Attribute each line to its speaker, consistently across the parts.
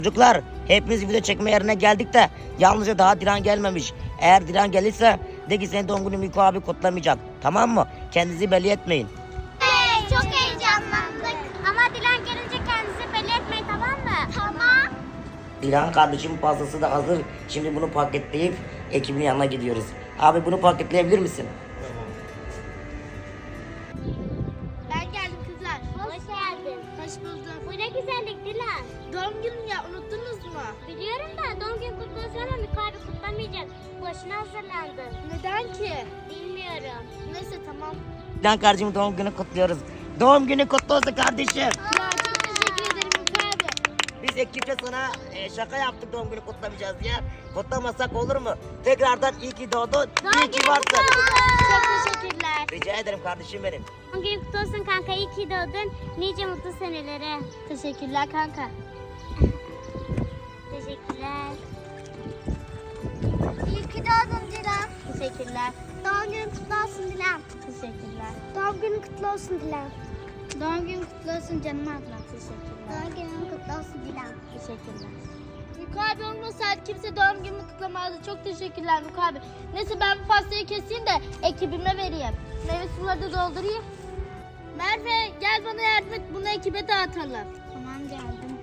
Speaker 1: Çocuklar hepimiz video çekme yerine geldik de yalnızca daha Dilan gelmemiş. Eğer Dilan gelirse de ki senin doğum günü Miko abi kutlamayacak. Tamam mı? Kendinizi belli etmeyin.
Speaker 2: Hey, çok heyecanlandık. Ama Dilan gelince kendinizi belli etmeyin, tamam mı? Tamam.
Speaker 1: Dilan kardeşim pastası da hazır. Şimdi bunu paketleyip ekibin yanına gidiyoruz. Abi bunu paketleyebilir misin?
Speaker 3: Ben geldim kızlar.
Speaker 2: Hoş geldin.
Speaker 3: Hoş buldum.
Speaker 2: Bu ne güzellik Dilan.
Speaker 3: Doğum günüm ya, unuttunuz mu?
Speaker 2: Biliyorum da doğum günü kutlu olsun ama Miko abi kutlamayacak. Boşuna hazırlandı.
Speaker 3: Neden ki?
Speaker 2: Bilmiyorum.
Speaker 3: Neyse tamam.
Speaker 1: Dilan kardeşimin doğum günü kutluyoruz. Doğum günü kutlu olsun kardeşim.
Speaker 3: Ya çok teşekkür ederim Miko abi.
Speaker 1: Biz ekipçe sana şaka yaptık doğum günü kutlamayacağız diye. Kutlamasak olur mu? Tekrardan iyi ki doğdun. İyi ki varsın.
Speaker 3: Çok teşekkürler.
Speaker 1: Rica ederim kardeşim benim.
Speaker 2: Doğum günü kutlu olsun kanka. İyi ki doğdun. Nice mutlu senelere.
Speaker 3: Teşekkürler kanka.
Speaker 2: Teşekkürler.
Speaker 3: İyi ki doğdun Dilan.
Speaker 2: Teşekkürler.
Speaker 3: Doğum günün kutlu olsun Dilan.
Speaker 2: Teşekkürler.
Speaker 3: Doğum günün kutlu olsun Dilan.
Speaker 2: Doğum günün kutlu olsun canım ablam. Teşekkürler.
Speaker 3: Doğum günün kutlu olsun Dilan.
Speaker 2: Teşekkürler.
Speaker 3: Miko abi olmasaydı kimse doğum günümü kutlamazdı. Çok teşekkürler Miko abi. Neyse ben bu pastayı keseyim de ekibime vereyim. Meyve suları da doldurayım. Merve gel bana yardım et, bunu ekibe dağıtalım.
Speaker 2: Tamam geldim.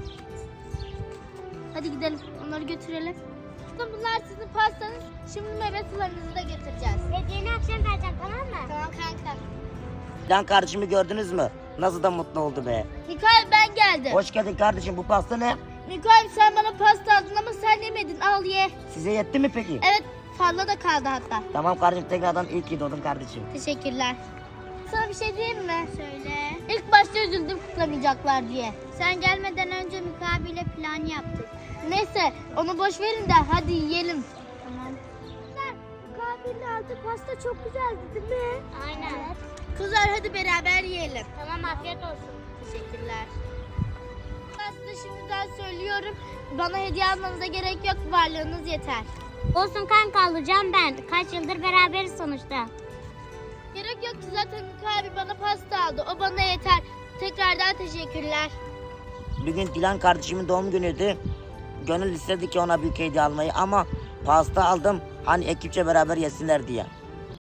Speaker 3: Hadi gidelim, onları götürelim. Bunlar sizin pastanız. Şimdi meyve sularınızı da getireceğiz.
Speaker 2: Hediyeni akşam vereceğim, tamam mı?
Speaker 3: Tamam kanka.
Speaker 1: Dilan kardeşimi gördünüz mü? Nasıl da mutlu oldu be.
Speaker 3: Miko abi ben geldim.
Speaker 1: Hoş geldin kardeşim, bu pasta ne?
Speaker 3: Miko abi sen bana pasta aldın ama sen yemedin, al ye.
Speaker 1: Size yetti mi peki?
Speaker 3: Evet, fazla da kaldı hatta.
Speaker 1: Tamam kardeşim, tekrardan iyi ki doğdun kardeşim.
Speaker 3: Teşekkürler. Sana bir şey diyeyim mi?
Speaker 2: Söyle.
Speaker 3: İlk başta üzüldüm kutlamayacaklar diye.
Speaker 2: Sen gelmeden önce Miko abiyle plan yaptık.
Speaker 3: Neyse onu boş verin de hadi yiyelim.
Speaker 2: Tamam.
Speaker 3: Miko abinin aldığı pasta çok güzeldi değil mi?
Speaker 2: Aynen.
Speaker 3: Kızlar hadi beraber yiyelim.
Speaker 2: Tamam, afiyet olsun.
Speaker 3: Teşekkürler. Ben size şimdiden söylüyorum. Bana hediye almanıza gerek yok. Varlığınız yeter.
Speaker 2: Olsun kanka, alacağım ben. Kaç yıldır beraberiz sonuçta.
Speaker 3: Gerek yok ki zaten Miko abi bana pasta aldı. O bana yeter. Tekrardan teşekkürler.
Speaker 1: Bugün Dilan kardeşimin doğum günüydü. Gönül istedi ki ona büyük hediye almayı ama pasta aldım. Hani ekipçe beraber yesinler diye.